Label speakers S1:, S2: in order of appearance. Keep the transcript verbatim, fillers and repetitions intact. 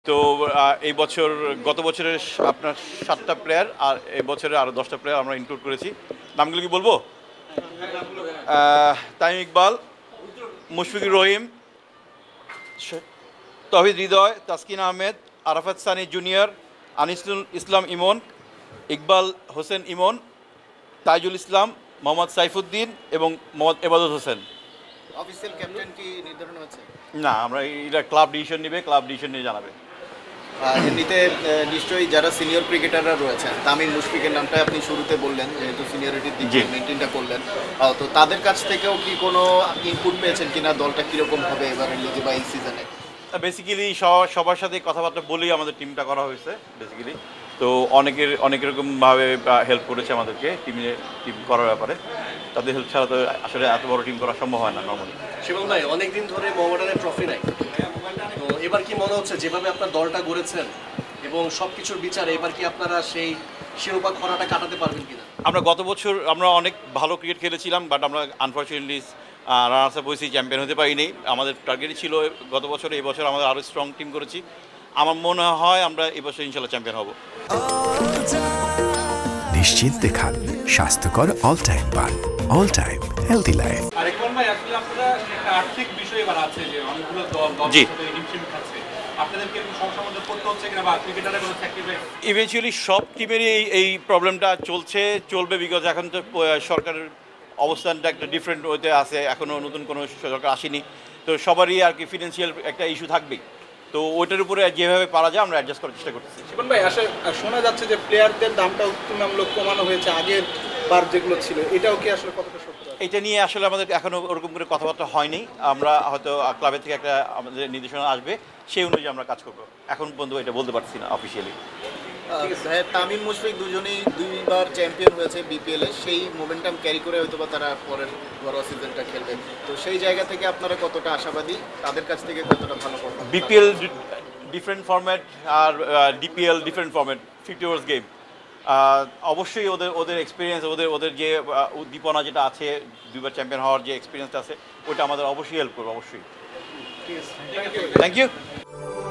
S1: তো আহ, এই বছর গত বছরের স- আপনার সাতটা প্লেয়ার আর এই বছরে আরও দশটা প্লেয়ার আমরা ইনক্লুড করেছি। নামগুলো কি বলবো? আহ, তামিম ইকবাল, মুশফিকুর রহিম, শ- তহিদ হৃদয়, তাসকিন আহমেদ, আরাফাত সানি জুনিয়র, আনিসুল ইসলাম ইমন, ইকবাল হোসেন ইমন, তাইজুল ইসলাম, মোহাম্মদ সাইফুদ্দিন এবং মোহাম্মদ এবাদত হোসেন।
S2: অফিসিয়াল ক্যাপ্টেন কি নির্ধারণ হয়েছে?
S1: না, আমরা এটা ক্লাব ডিসিশন নেবে, ক্লাব ডিসিশন নিয়ে জানাবে।
S2: আহ, এমনিতে আহ, নিশ্চয়ই যারা সিনিয়র ক্রিকেটাররা রয়েছেন, তামিম মুশফিকের নামটা আপনি শুরুতে বললেন, যেহেতু সিনিয়রিটির দিক
S1: জি।
S2: দিয়ে মেনটেনটা করলেন। আহ, তো তাদের কাছ থেকেও কি কোনো ইনপুট পেয়েছেন কিনা দলটা কীরকম হবে এবারের লিগে বা এই সিজনে?
S1: বেসিক্যালি সবার সাথে কথাবার্তা বলেই আমাদের টিমটা করা হয়েছে বেসিক্যালি। তো অনেকের অনেক রকমভাবে হেল্প করেছে আমাদেরকে টিমে টিম করার ব্যাপারে। তাদের হেল্প ছাড়া তো আসলে এত বড় টিম করা সম্ভব হয় না নর্মালি।
S3: শিবম ভাই, অনেকদিন ধরে মোহামেডানের ট্রফি নাই, তো এবার কি মনে হচ্ছে যেভাবে আপনার দলটা গড়েছেন এবং সবকিছুর বিচারে এবার কি আপনারা সেই শিরোপা খরাটা কাটাতে পারবেন কিনা?
S1: আমরা গত বছর আমরা অনেক ভালো ক্রিকেট খেলেছিলাম, বাট আমরা আনফর্চুনেটলি রানার্স আপ হয়েছি, চ্যাম্পিয়ন হতে পারিনি। আমাদের টার্গেটই ছিল গত বছর, এই বছর আমাদের আরও স্ট্রং টিম করেছি। আমার মনে হয় আমরা এই বছর ইনশাল্লাহ চ্যাম্পিয়ন হব।
S4: নিশ্চিন্তে খান স্বাস্থ্যকর অল টাইম পান অল টাইম হেলদি লাইফ।
S5: আরেকবার ভাই, আসলে আপনারা একটা আর্থিক বিষয় এবার আছে যে অনেকগুলো দল দল
S1: জি।
S5: রিডিমশন খাচ্ছে, আপনাদেরকে কোনো সমস্যার মধ্যে পড়তে হচ্ছে কিনা বা ক্রিকেটারের কোনো স্যাক্রিফাইস?
S1: ইভেনচুয়ালি সব টিমেরই এই এই প্রবলেমটা চলছে, চলবে, বিকজ এখন তো আহ, সরকারের অবস্থানটা একটা ডিফারেন্ট ওতে আছে, এখনও নতুন কোনো সরকার আসেনি। তো সবারই আর কি ফিনান্সিয়াল একটা ইস্যু থাকবেই। তো ওইটার উপরে যেভাবে পারা যায় আমরা অ্যাডজাস্ট করার চেষ্টা করতেছি।
S6: শিবন ভাই, আসলে শোনা যাচ্ছে যে প্লেয়ারদের দামটাও তুলনামূলক কমানো হয়েছে আগের বার যেগুলো ছিল, এটাও কি আসলে কতটা সত্য?
S1: এটা নিয়ে আসলে আমাদের এখনও ওরকম করে কথাবার্তা হয়নি। আমরা হয়তো ক্লাবের থেকে একটা আমাদের নির্দেশনা আসবে, সেই অনুযায়ী আমরা কাজ করবো। এখন পর্যন্ত এটা বলতে পারছি না অফিসিয়ালি।
S2: আহ, ভাই, তামিম মুশফিক দুজনেই দুইবার চ্যাম্পিয়ন হয়েছে বিপিএলে, সেই মোমেন্টাম ক্যারি করে হয়তো বা তারা পরের ঘরোয়া সিজনটা খেলবে। তো সেই জায়গা থেকে আপনারা কতটা আশাবাদী, তাদের কাছ থেকে কতটা ভালো performance?
S1: বিপিএল ডিফারেন্ট ফরম্যাট আর DPL different format, fifty overs game. অবশ্যই ওদের ওদের এক্সপিরিয়েন্স, ওদের ওদের যে আহ, উদ্দীপনা যেটা আছে, দুইবার চ্যাম্পিয়ন হওয়ার যে এক্সপিরিয়েন্সটা আছে, ওটা আমাদের অবশ্যই হেল্প করবে, অবশ্যই। Thank you.